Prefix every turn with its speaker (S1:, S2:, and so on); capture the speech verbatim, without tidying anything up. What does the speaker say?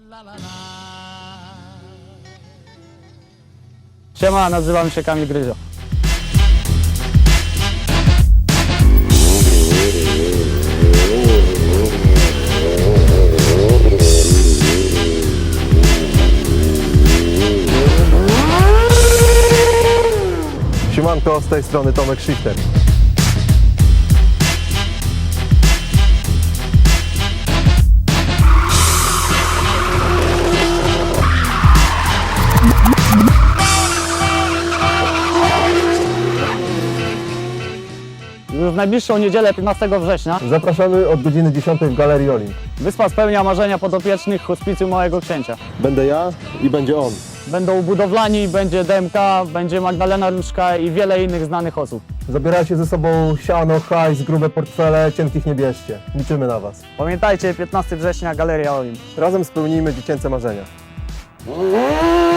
S1: Siema, nazywam się Kamil Gryzio.
S2: Siemanko, z tej strony Tomek Shifter.
S1: Już w najbliższą niedzielę, piętnastego września,
S2: Zapraszamy od godziny dziesiątej w Galerii Olimp.
S1: wyspa spełnia marzenia podopiecznych hospicjum Małego Księcia.
S2: Będę ja i będzie on.
S1: Będą budowlani, będzie D M K, będzie Magdalena Różka i wiele innych znanych osób.
S2: Zabierajcie ze sobą siano, hajs, grube portfele, cienkich nie bierzcie. Liczymy na Was.
S1: Pamiętajcie, piętnastego września, Galeria Olimp.
S2: Razem spełnijmy dziecięce marzenia.